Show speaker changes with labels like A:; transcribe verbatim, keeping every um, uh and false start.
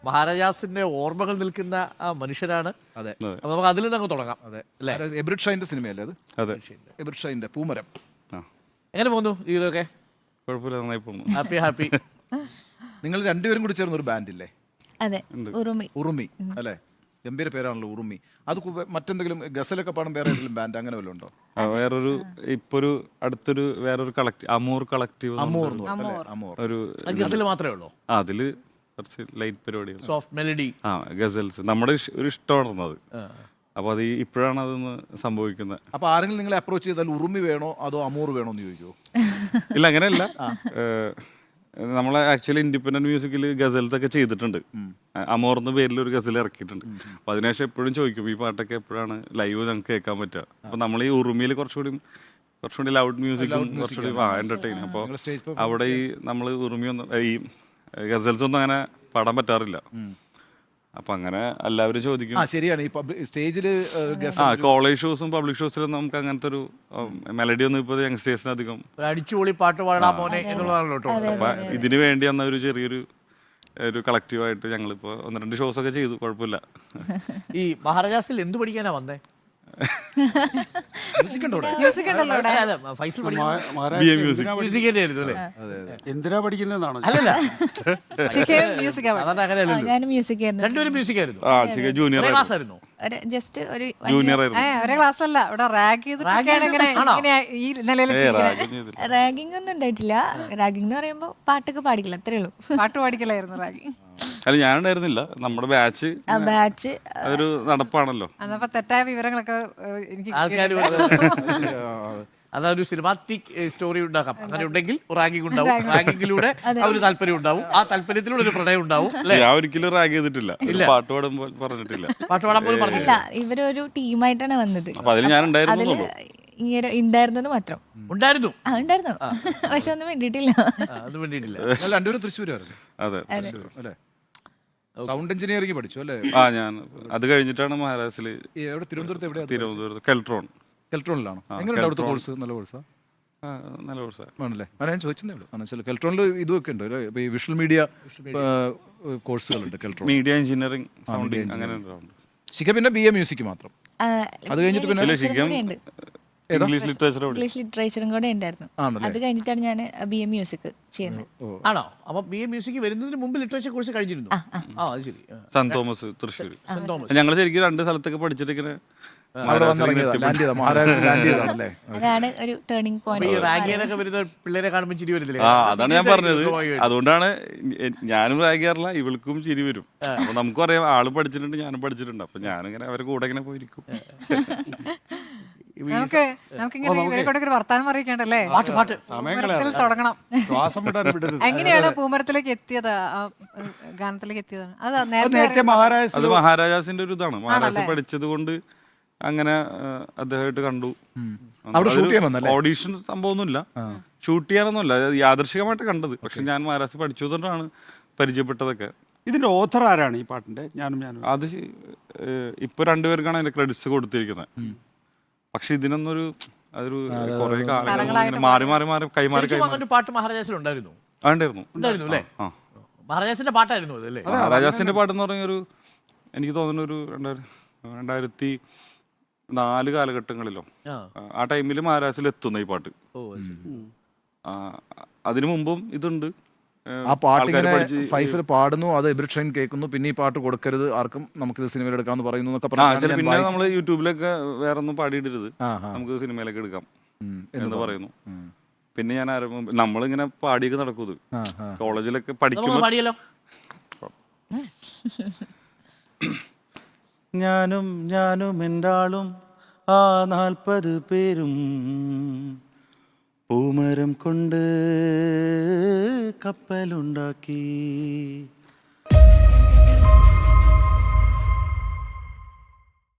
A: മഹാരാജാസിന്റെ ഓർമ്മകൾ നിൽക്കുന്ന ആ മനുഷ്യരാണ്.
B: അതെ,
A: അപ്പൊ നമുക്ക് അതിൽ നിന്ന് അങ്ങ് തുടങ്ങാം.
B: അതെ അല്ലേ, എബ്രിഡ് ഷൈൻ്റെ സിനിമയല്ലേ അത്?
C: അതെ,
B: എബ്രിഡ് ഷൈൻ്റെ പൂമരം.
C: ആ
A: എങ്ങനെ പോകുന്നു ജീവിതമൊക്കെ?
C: കുഴപ്പമില്ല, നന്നായി പോകുന്നു.
A: Happy happy.
B: നിങ്ങൾ രണ്ടുപേരും കൂടി ചേർന്ന ഒരു ബാൻഡില്ലേ?
D: അതെ, ഉറുമി.
B: ഉറുമി അല്ലേ, ഗംഭീര പേരാണല്ലോ ഉറുമി. അത് കു- മറ്റെന്തെങ്കിലും ഗസലൊക്കെ പാടും വേറെ ഏതെങ്കിലും ബാൻഡ് അങ്ങനെ വല്ലതും ഉണ്ടോ?
C: ആ, വേറൊരു ഇപ്പൊ ഒരു അടുത്തൊരു വേറൊരു കളക്റ്റീവ് അമൂർ കളക്റ്റീവ്
B: അമോർ എന്ന് പറഞ്ഞ അല്ലേ? അമോർ.
C: ഒരു
A: ഗസൽ മാത്രമേ ഉള്ളൂ?
C: ആ, അതില് കുറച്ച് ലൈറ്റ് പരിപാടികൾ,
A: സോഫ്റ്റ് മെലഡി.
C: ആ ഗസൽസ് നമ്മുടെ ഇഷ്- ഒരു ഇഷ്ടമായിരുന്നു അത്. അപ്പൊ അത് ഈ- ഇപ്പോഴാണ് അതൊന്ന് സംഭവിക്കുന്നത്.
B: അപ്പൊ ആരെങ്കിലും നിങ്ങളെ അപ്രോച്ച് ചെയ്താൽ ഉറുമി വേണോ അതോ അമോർ വേണോ എന്ന് ചോദിച്ചോ?
C: ഇല്ല, അങ്ങനെയല്ല. നമ്മളെ ആക്ച്വലി ഇൻഡിപെൻഡന്റ് മ്യൂസിക്കിൽ ഗസൽസ് ഒക്കെ ചെയ്തിട്ടുണ്ട്. അമോർ എന്ന പേരിൽ ഒരു ഗസൽ ഇറക്കിയിട്ടുണ്ട്. അപ്പൊ അതിനുശേഷം എപ്പോഴും ചോദിക്കും ഈ പാട്ടൊക്കെ എപ്പോഴാണ് ലൈവ് ഞങ്ങൾക്ക് കേൾക്കാൻ പറ്റുക. അപ്പൊ നമ്മൾ ഈ ഉറുമിയിൽ കുറച്ചുകൂടി കുറച്ചുകൂടി ലൗഡ് മ്യൂസിക്കും കുറച്ചുകൂടി എന്റർടൈൻ. അപ്പോൾ അവിടെ ഈ നമ്മൾ ഉറുമി ഒന്നും ഈ ഗസൽസ് ഒന്നും അങ്ങനെ പാടാൻ പറ്റാറില്ല. അപ്പൊ അങ്ങനെ എല്ലാവരും ചോദിക്കും.
B: ആ ശരിയാണ്, ഈ സ്റ്റേജിൽ
C: ആ കോളേജ് ഷോസും പബ്ലിക് ഷോസിലൊന്നും നമുക്ക് അങ്ങനത്തെ ഒരു മെലഡി ഒന്നും ഇപ്പോൾ യങ്സ്റ്റേഴ്സിന് അധികം
A: ഒരു അടിച്ചുപൊളി പാട്ട് പാടാ മോനെ എന്നുള്ളതാണല്ലോ കേട്ടോ.
C: അപ്പൊ ഇതിന് വേണ്ടി അന്ന ഒരു ചെറിയൊരു ഒരു കളക്റ്റീവായിട്ട് ഞങ്ങളിപ്പോൾ ഒന്ന് രണ്ട് ഷോസ് ഒക്കെ ചെയ്തു. കുഴപ്പമില്ല.
A: ഈ മഹാരാജാസിൽ എന്ത് പഠിക്കാനാ വന്നേ?
B: മ്യൂസിക് ഉണ്ടോ അവിടെ?
D: മ്യൂസിക് ഉണ്ടല്ലോ ഇവിടെ.
A: അല്ല, അല്ല, Faisal
C: B A music
A: music തന്നെയായിരുന്നു അല്ലേ?
E: എന്തിനാ പഠിക്കുന്നതാണോ?
A: അല്ലല്ല,
D: ശിഖയും മ്യൂസിക്കാ പഠിച്ചത്.
A: അതാണ് അങ്ങനെയല്ലല്ലോ.
D: ഞാനും മ്യൂസിക് ആയിരുന്നു.
A: രണ്ടുപേരും മ്യൂസിക് ആയിരുന്നു.
C: ആ ശരി, ജൂനിയർ
A: ക്ലാസ് ആയിരുന്നു.
D: ഒരു ജസ്റ്റ് ഒരു
C: ജൂനിയർ ആയിരുന്നു.
F: ഒരേ ക്ലാസ്സല്ല ഇവിടെ റാഗ് ചെയ്തിട്ടൊക്കെയാണ് ഇങ്ങനെ ഇങ്ങനെ ഈ നിലയിൽ
D: റാഗിംഗ് ഒന്നും ഉണ്ടായിട്ടില്ല. റാഗിംഗ് എന്ന് പറയുമ്പോ പാട്ടൊക്കെ പാടിക്കില്ല, അത്രേ ഉള്ളൂ.
F: പാട്ട് പാടിക്കലായിരുന്നു റാഗിങ്.
C: അല്ല, ഞാനുണ്ടായിരുന്നില്ല. നമ്മുടെ ബാച്ച്
D: ആ ബാച്ച്
C: അതൊരു നടപ്പാണല്ലോ.
F: അന്നപ്പോ തെറ്റായ വിവരങ്ങളൊക്കെ ഏഹ്, എനിക്ക്
A: ആൾക്കാർ അതൊരു സിനിമാറ്റിക് സ്റ്റോറി ഉണ്ടാക്കാം. അങ്ങനെ ഉണ്ടെങ്കിൽ റാങ്കിങ് ഉണ്ടാവും. റാങ്കിങ്ങിലൂടെ ആ ഒരു താല്പര്യം ഉണ്ടാവും. ആ താല്പര്യത്തിലൂടെ ഒരു പ്രണയം ഉണ്ടാവും.
C: ഞാൻ ഒരിക്കലും റാഗ് ചെയ്തിട്ടില്ല, പാട്ട് പാടുമ്പോൾ പറഞ്ഞിട്ടില്ല.
A: പാട്ട് പാടാൻ പോലും പറഞ്ഞില്ല.
D: അല്ല, ഇവരൊരു ടീമായിട്ടാണ് വന്നത്.
C: അപ്പൊ അതിൽ ഞാൻ
D: അതില്
C: ഉണ്ടായിരുന്നു.
D: ഇങ്ങനെ ഉണ്ടായിരുന്നത് മാത്രം.
A: ഉണ്ടായിരുന്നു.
D: ആ ഉണ്ടായിരുന്നു, പക്ഷെ ഒന്നും വേണ്ടിയിട്ടില്ല.
A: അത് വേണ്ടിയിട്ടില്ല.
B: അല്ല, രണ്ടുപേരും തൃശ്ശൂരായിരുന്നു
C: അതെ,
B: അല്ലേ? സൗണ്ട് എഞ്ചിനീയറിംഗ് പഠിച്ചു അല്ലേ?
C: ആ ഞാൻ അത് കഴിഞ്ഞിട്ടാണ് മഹാരാഷ്ട്രയില്
B: ഈ എവിടെ, തിരുവനന്തപുരത്ത് എവിടെയാ?
C: തിരുവനന്തപുരത്ത് കെൽട്രോൺ.
B: കെൽട്രോണിലാണോ? എങ്ങനെയുണ്ട് അവിടുത്തെ കോഴ്സ്? നല്ല കോഴ്സാ?
C: ആ, നല്ല കോഴ്സാണ്.
B: ആണല്ലേ? ആ, ഞാൻ ചോദിച്ചതേ ഉള്ളൂ. കാരണം വെച്ചാൽ കെൽട്രോണിൽ ഇതൊക്കെ ഉണ്ട് അല്ലേ? ഈ വിഷ്വൽ മീഡിയ കോഴ്സുകളുണ്ട് കെൽട്രോൺ.
C: മീഡിയ എഞ്ചിനീയറിംഗ്, സൗണ്ടിങ് അങ്ങനെ ഉണ്ടാവും.
B: ശിഖ പിന്നെ ബി എ മ്യൂസിക് മാത്രം.
D: ആ,
B: അത് കഴിഞ്ഞിട്ട് പിന്നെ
C: ഇല്ല, ശിഖം
D: ഉണ്ട്.
C: English literature.
D: ഇംഗ്ലീഷ് ലിറ്ററേച്ചറും കൂടെ ഉണ്ടായിരുന്നു.
B: ആണല്ലേ?
D: അത് കഴിഞ്ഞിട്ടാണ് ഞാൻ ബി എ മ്യൂസിക് ചെയ്യുന്നത്.
A: ആണോ? അപ്പൊ ബി എ മ്യൂസിക് വരുന്നതിന് മുമ്പ് ലിറ്ററേച്ചർ കോഴ്സ് കഴിഞ്ഞിരുന്നു. ആ അത് ശരി.
C: Saint Thomas, Thrissur.
A: Saint Thomas.
C: ഞങ്ങൾ ശരിക്കും രണ്ട് സ്ഥലത്തൊക്കെ പഠിച്ചിട്ട് ഇങ്ങനെ
B: അവിടെ വന്നിറങ്ങിയതാ, ലാൻഡ് ചെയ്താ, മഹാരാഷ്ട്ര ലാൻഡ് ചെയ്താണല്ലേ?
D: അതാണ് ഒരു ടേണിംഗ്
A: ഈ
D: പോയിന്റ്.
A: റാഗിയൊക്കെ വരുന്ന പിള്ളേരെ കാണുമ്പോൾ ചിരി വരുന്നില്ലേ?
C: ആ അതാണ് ഞാൻ പറഞ്ഞത്. അതുകൊണ്ടാണ് എ- ഞാനും റാഗ് ചെയ്യാറില്ല, ഇവൾക്കും ചിരി വരും. അപ്പൊ നമുക്കും അറിയാം ആള് പഠിച്ചിട്ടുണ്ട്, ഞാനും പഠിച്ചിട്ടുണ്ട്. അപ്പൊ ഞാനിങ്ങനെ അവരെ കൂടെ ഇങ്ങനെ പോയിരിക്കും.
F: നമുക്ക് നമുക്കിങ്ങനെ ഇവരെ കൊണ്ടൊക്കെ ഒരു വർത്താനം അറിയിക്കണ്ടല്ലേ?
A: പാട്ട് പാട്ട്
F: പൂമരത്തിൽ തുടങ്ങണം.
E: ശ്വാസം വിടാൻ വിടരുത്.
F: എങ്ങനെയാണ് പൂമരത്തിലേക്ക് എത്തിയത്? ആ ഏഹ്, ഗാനത്തിലേക്ക് എത്തിയതാണ് അത്
E: അത്
F: നേരത്തെ
E: നേരത്തെ മഹാരാജ്
C: അത് മഹാരാജാസിന്റെ ഒരു ഇതാണ്. മഹാരാജ പഠിച്ചത് കൊണ്ട് അങ്ങനെ ആ, അദ്ദേഹമായിട്ട് കണ്ടു.
B: അവിടെ shoot ചെയ്യാൻ വന്നല്ലേ?
C: ഓഡീഷൻ സംഭവമൊന്നുമില്ല, ഷൂട്ട് ചെയ്യാനൊന്നുമില്ല. അത് യാദൃശികമായിട്ട് കണ്ടത്. പക്ഷെ ഞാൻ മഹാരാജ് പഠിച്ചതുകൊണ്ടാണ് പരിചയപ്പെട്ടതൊക്കെ.
E: ഇതിന്റെ ഓഥർ ആരാണ് ഈ പാട്ടിന്റെ? ഞാനും ഞാനും
C: അത് ശ- ഏഹ് ഇപ്പൊ രണ്ടുപേർക്കാണ് അതിന്റെ ക്രെഡിറ്റ്സ് കൊടുത്തിരിക്കുന്നത്. പക്ഷെ ഇതിനൊന്നൊരു അതൊരു കുറെ കാലങ്ങൾ ഇങ്ങനെ മാറി മാറി മാറി കൈമാറി
A: ശരിക്കും
C: കൈമാറി
A: അങ്ങനെ ഒരു പാട്ട് മഹാരാജാസിൽ ഉണ്ടായിരുന്നു.
C: ഉണ്ടായിരുന്നു.
A: ഉണ്ടായിരുന്നു അല്ലേ?
C: ആ,
A: മഹാരാജാസിന്റെ പാട്ടായിരുന്നു അത് അല്ലേ?
C: മഹാരാജാസിന്റെ പാട്ടെന്ന് പറഞ്ഞ ഒരു എനിക്ക് തോന്നുന്ന ഒരു രണ്ടായിരം രണ്ടായിരത്തി നാല് കാലഘട്ടങ്ങളിലോ
A: ആ.
C: ആ ടൈമിൽ മഹാരാജാസിൽ എത്തുന്ന ഈ പാട്ട്.
A: ഓ അത് ശരി.
C: ആ, അതിനു മുമ്പും ഇതുണ്ട്.
B: ആ പാട്ട്
C: ആൾക്കാര്
B: ഇങ്ങനെ
C: പഠിച്ച്
B: ഫൈസൽ പാടുന്നു, അത് എബ്രിഡ് ഷൈൻ കേൾക്കുന്നു, പിന്നെ ഈ പാട്ട് കൊടുക്കരുത് ആർക്കും, നമുക്കിത് സിനിമയിൽ എടുക്കാന്ന് പറയുന്നു എന്നൊക്കെ
C: ആ
B: പറഞ്ഞാണ്
C: ചില
B: ഞാൻ
C: പിന്നെ
B: വായിച്ചത്.
C: നമ്മള് യൂട്യൂബിലൊക്കെ വേറെ ഒന്നും പാടിയിടരുത്,
B: ആ, ആ.
C: നമുക്ക് സിനിമയിലൊക്കെ എടുക്കാം
B: ഉം,
C: എന്ന് പറയുന്നു.
B: ഉം.
C: പിന്നെ ഞാൻ ആരംഭം നമ്മളിങ്ങനെ പാടിയൊക്കെ നടക്കും. ഇത്
B: ആ, ആ.
C: കോളേജിലൊക്കെ
A: നമുക്ക്
C: പഠിക്കുമ്പോൾ
A: പാടിയല്ലോ.
C: ഞാനും ഞാനും എൻ്റെ ആ നാൽപ്പത് പേരും പൂമരം കൊണ്ട് കപ്പലുണ്ടാക്കി.